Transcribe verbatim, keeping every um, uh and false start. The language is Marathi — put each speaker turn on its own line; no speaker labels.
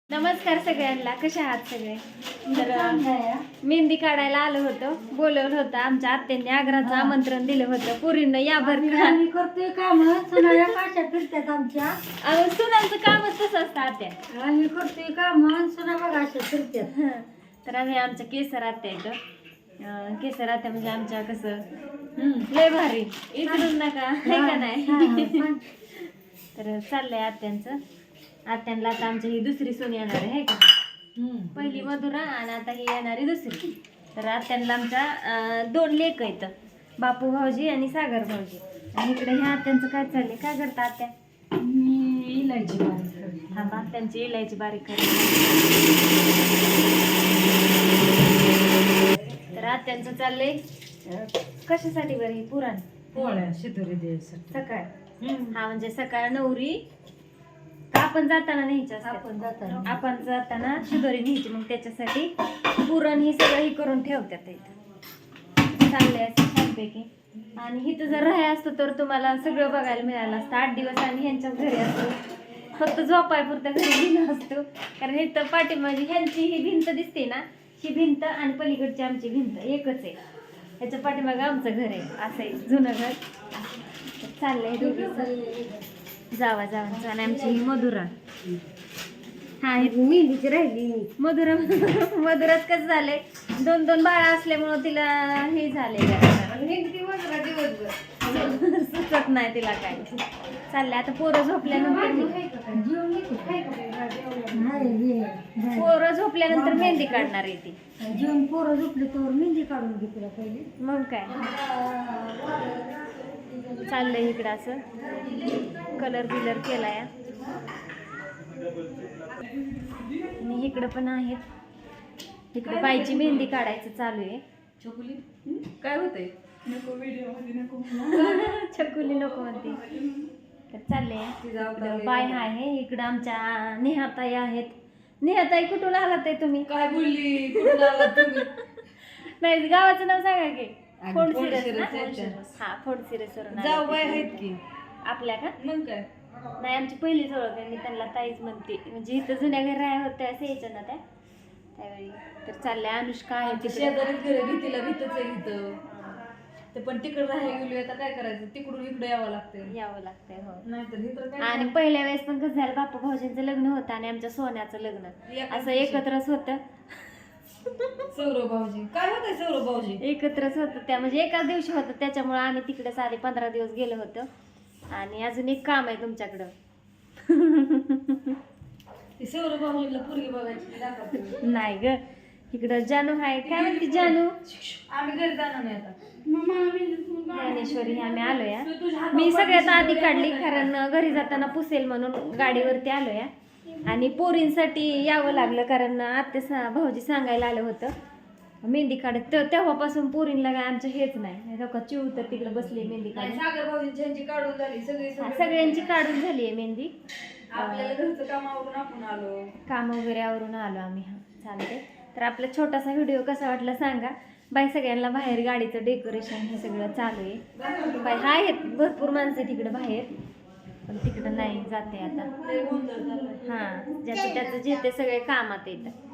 नमस्कार सगळ्यांना, कशा आहात सगळे? तर मेहंदी काढायला आलो होतो, बोलवलं होतं आमच्या आत्यांनी, आग्राचं आमंत्रण दिलं होतं. पुरीनं या भर
करतोय काम सुनाया काशा फिरतात आमच्या.
सुनांचं कामच तसं असतं आत्या.
आम्ही करतोय काम सुना बघा अशा फिरतात.
तर आम्ही आमच्या केसर आत्या येतो. केसर आत्या म्हणजे आमच्या कसं लय भारी, इकडून नका हे का नाही. तर चाललंय आत्यांचं. आत्यांना आता आमची ही दुसरी सून येणार आहे का, पहिली मधुरा आणि आता ही येणारी दुसरी. तर आत्यांना आमच्या दोन लेक आहेत, बापू भाऊजी आणि सागर भाऊजी. आणि इकडे ह्या आत्यांचं काय चाललंय, काय करता आत्या?
मी इलायची बारीक
थांबा, आत्यांची इलायची बारीक करते. तर आत्यांचं चाललंय कशासाठी बरं ही पुराण
पोळ्या शिदोरी द्यायचं
सकाळ. हा म्हणजे सकाळ नवरी आपण जाताना न्यायची असते,
आपण जाताना
आपण जाताना शिदोरी न्यायची, मग त्याच्यासाठी पुरण ही सगळं ही करून ठेवतात इथं. चाललंय असं छानपैकी. आणि इथं जर राहाय असतं तर तुम्हाला सगळं बघायला मिळालं असतं. आठ दिवस आम्ही ह्यांच्याच घरी असतो, फक्त झोपाय पुरतं घरी गेलो असतो. कारण इथं पाठीमागे ह्यांची ही भिंत दिसते ना, ही भिंत आणि पलीकडची आमची भिंत एकच आहे. ह्याच्या पाठीमागे आमचं घर आहे, असं आहे जुनं घर. चाललंय दोघीचं जावा जावा. आणि आमची ही मधुरा, हा
मेहंदीची राहिली
मधुरा. मधुरात कसं झालंय, दोन दोन बाळा असल्यामुळं तिला हे झाले, सुचत नाही तिला काय. चाललंय आता पोरं झोपल्यानंतर, पोरं झोपल्यानंतर मेहंदी काढणार आहे ती.
जेवण पोरं झोपले तर मेहंदी काढून घे तुला पहिले.
मग काय चाललंय इकडं असं कलर बिलर केलाय. आणि इकडं पण आहेत, इकडे बाईची मेहंदी काढायचं चालू आहे.
चकुली काय होतंय, नको व्हिडिओ मध्ये नको
छकुली नको म्हणते. तर चाललंय बाय आहे इकडं. आमच्या नेहाताई आहेत. नेहाताई कुठून आलात आहे तुम्ही?
काय बोलली, कुठून आलात तुम्ही?
नाही, गावाचं नाव सांगा की. फोड
फोडसिरस
सिरस
ना?
हा, फोड सिरस वरून
जाऊ बाय आहेत की
आपल्या का.
मग काय
नाही, आमची पहिलीच ओळख आहे, मी त्यांना ताईच म्हणते. म्हणजे इथं जुन्या घरी राह्या होत्या असं यायच्या ना त्या त्यावेळी. तर चाललंय अनुष्का आहे तिकडे.
शेजारीच घर भीतीला भीतच आहे इथं. ते पण तिकडे राहायला गेलो, आता काय करायचं, तिकडून इकडे यावं लागतंय
यावं लागतंय. हो,
नाहीतर इथं काय.
आणि पहिल्या वेळेस पण कसं झालं, बापू भाऊजींचं लग्न होतं आणि आमच्या सोन्याचं लग्न असं एकत्रच होतं.
सौरव भाऊजी काय होतंय, सौरव भाऊजी
एकत्रच होतं त्या, म्हणजे एकाच दिवशी होतं. त्याच्यामुळे आम्ही तिकडे साडे पंधरा दिवस गेलो होतो. आणि अजून एक काम आहे तुमच्याकडं.
सौरव भाऊजीला पोरगी बघायची दाखवते.
नाही ग, इकडं जानू आहे. काय म्हणते जानू?
आम्ही घरी जाणार नाही आता.
ज्ञानेश्वरी आम्ही आलो या. मी सगळ्यात आधी काढली, कारण घरी जाताना पुसेल म्हणून गाडीवरती आलो या. आणि पोरींसाठी यावं लागलं, कारण आत्या भाऊजी सांगायला आलं होतं मेहंदी काढत. तेव्हापासून पोरींला काय आमचं हेच नाही. चिव तर तिकडे बसली मेहंदी काढून.
सागर भाऊजींची काढून झाली सगळी,
सगळ्यांची काढून झाली आहे मेहंदी.
आपल्याला घरचं काम आवरून आपण आलो, काम
वगैरे आवरून आलो आम्ही. हा, चालते. तर आपला छोटासा व्हिडिओ कसा वाटला सांगा. बाय सगळ्यांना. बाहेर गाडीचं डेकोरेशन हे सगळं चालू आहे. बाय हा आहेत भरपूर माणसं तिकडं बाहेर, पण तिकडं नाही जाते आता. हां, ज्याचं त्याचं जे ते सगळे कामात येतं.